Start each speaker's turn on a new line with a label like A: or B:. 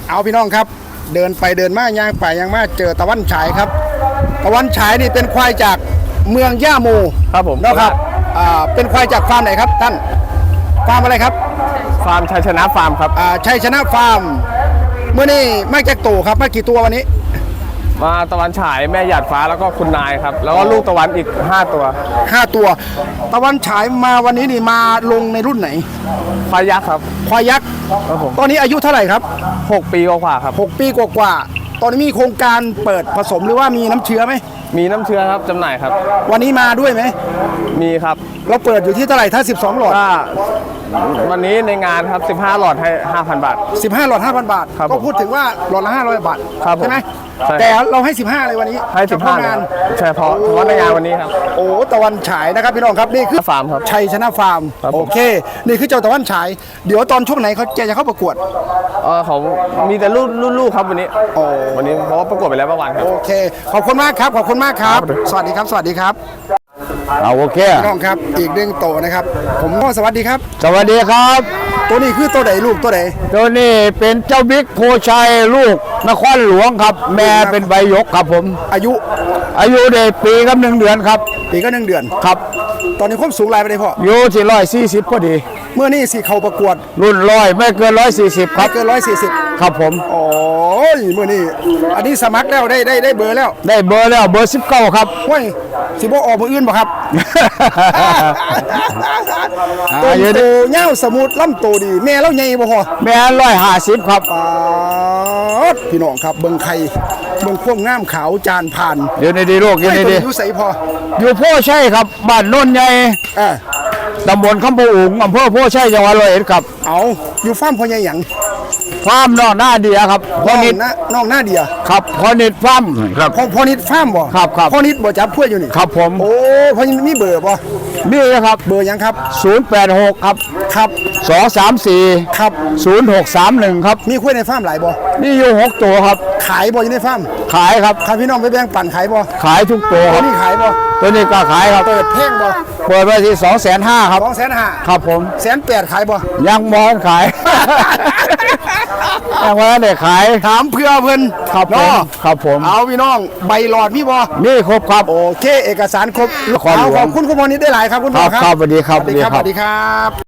A: เอาพี่น้องครับเดินไปเดินมาย่างไปย่างมาเจอตะวันฉายครับตะวันฉายนี่เป็นควายจากเมืองย่าโม
B: ครับผม
A: นะครับเป็นควายจากฟาร์มไหนครับท่านฟาร์มอะไรครับ
B: ฟาร์มชัยชนะฟาร์มครับ
A: ชัยชนะฟาร์มเมื่อนี้มาจากตู่ครับมากี่ตัววันนี้
B: มาตะวันฉายแม่หยาดฟ้าแล้วก็คุณนายครับแล้วก็ลูกตะวันอีก5ตัว
A: 5 ตัวตะวันฉายมาวันนี้นี่มาลงในรุ่นไหน
B: พายักษ์ครับ
A: ควายยักษ์
B: ครับผม
A: ตอนนี้อายุเท่าไหร่ครับ
B: 6 ปีกว่าๆครับ
A: 6 ปีกว่าๆตอนนี้มีโครงการเปิดผสมหรือว่ามีน้ำเชื้อไหม
B: มีน้ำเชื้อครับจำหน่ายครับ
A: วันนี้มาด้วยไหม
B: มีครับ
A: เราเปิดอยู่ที่เท่าไหร่ถ้า12หลอด
B: ถ้าวันนี้ในงานครับ15 หลอดให้ 5,000 บาท
A: 15หลอด 5,000 บาท
B: ครับ
A: ก็พูดถึงว่าหลอดละ500 บาท
B: ครับผม
A: ใช่ไหม
B: ใช่
A: แต่เราให้ 15เลยวันนี้
B: ให้
A: เฉพาะ
B: 15
A: งาน
B: เฉพาะในงานวันนี้ครับ
A: โอ้ตะวันฉายนะครับพี่น้องครับนี่คือ
B: ฟาร์มครับ
A: ชัยชนะฟาร์ม
B: ครับผม
A: โอเค นี่คือเจ้าตะวันฉาย เดี๋ยวตอนช่วงไหนเขาจะเข้าประกวด
B: เขามีแต่ลูกครับวันนี้วันนี้เพราะว่าประกวดไปแล้วเมื่อวานครับ
A: โอเคขอบคุณมากครับขอบคุณมากครับ สวัสดีครับ สวัสดีครับ
C: เอาโอเค
A: พี่น้องครับอีกเรื่องโตนะครับ ผมก็สวัสดีครับ
C: สวัสดีครับ
A: ตัวนี้คือตัวไหนลูกตัวไหน
C: ตัวนี้เป็นเจ้าบิ๊กโพชัยลูกนครหลวงครับ แม่เป็นใบหยกครับผม
A: อายุ
C: อายุได้ปีกับ1 เดือนครับ
A: ปีก็1 เดือน
C: ครับ
A: ตอนนี้ความสูงลายไปได้พ่อ
C: อยู่ที่140พอดี
A: เมื่อนี้สิเขาประกวด
C: รุ่นไม่เกิน140ค
A: ไม่
C: รับ
A: เกิน140
C: ครับผม
A: โอ้ยเมื่อนี้อันนี้สมัครแล้วได้เบอร์แล้ว
C: ได้เบอร์แล้วเบอร์19ครับ
A: ห้วยสิบ่ออกมืออื่นบ่ครับ
C: อ่า
A: ต้น
C: เยอะดิ
A: โตเง่าสมุดลำโตดีแม่เล่าใหญ่บ่พอ
C: แม่150ครับ
A: พี่น้องครับเบิ่งไข่เบิ่งพ่วงงามขาวจานผ่าน
C: อยู่ในดีโลกอยู่ใน
A: ตัว
C: ดี
A: อยู่ใสพอ
C: อยู่โพชัยครับบ้านโน่นใหญ่
A: อ่า
C: ตำบลคำพูอุ๋งอำเภอโพชัยจังหวัด101ครับ
A: เอาอยู่ฟาร์มพ่อใหญ่หยัง
C: ฟาร์มนอกหน้าเดียครับพ่อนิด
A: น้องหน้าเดีย
C: ครับพ่อนิดฟาร์มครับ
A: พ่อนิดฟาร์มบ่
C: ครับครับ
A: พ่อนิดบ่จับพวกอยู่นี่
C: ครับผม
A: โอ้พ่อนิดมีเบอร์บ่
C: นี่นะครับ
A: เบอร์หยังครับ
C: 086ครับ
A: ครับ
C: 234
A: ครับ
C: 0631ครับ
A: มีคุยในฟาร์มหลายบ่
C: นี่อยู่6ตัวครับ
A: ขายบ่อยู่ในฟาร์ม
C: ขายครับ
A: ถ้าพี่น้องไปแบ่งปันขายบ่
C: ขายทุกตัวค
A: ตั
C: รั
A: ว
C: บ
A: นี้ขายบ่
C: ตัวนี้ก็ขายครับ
A: เปิดแพงบ่
C: เปิดไว้ที่250,000ครับ
A: 250,000
C: ครับผม
A: 180,000ขายบ่
C: ยังมอนขาย ยังว่าได้ขาย
A: ถามเพื่อเพิ่น
C: ครับผม
A: เนาะ
C: ครับผม
A: เอาพี่น้องใบหลอดมีบ่
C: นี่ครบครับ
A: โอเคเอกสารครบ
C: ขอหลวง
A: ขอบคุณคุณพ่อนิดได้หลายครับคุณพ่อ
C: ครับครับสวัสดีครับ
A: สวัสดีครับ
C: สวัสดีครับ
A: สวัสดีครับ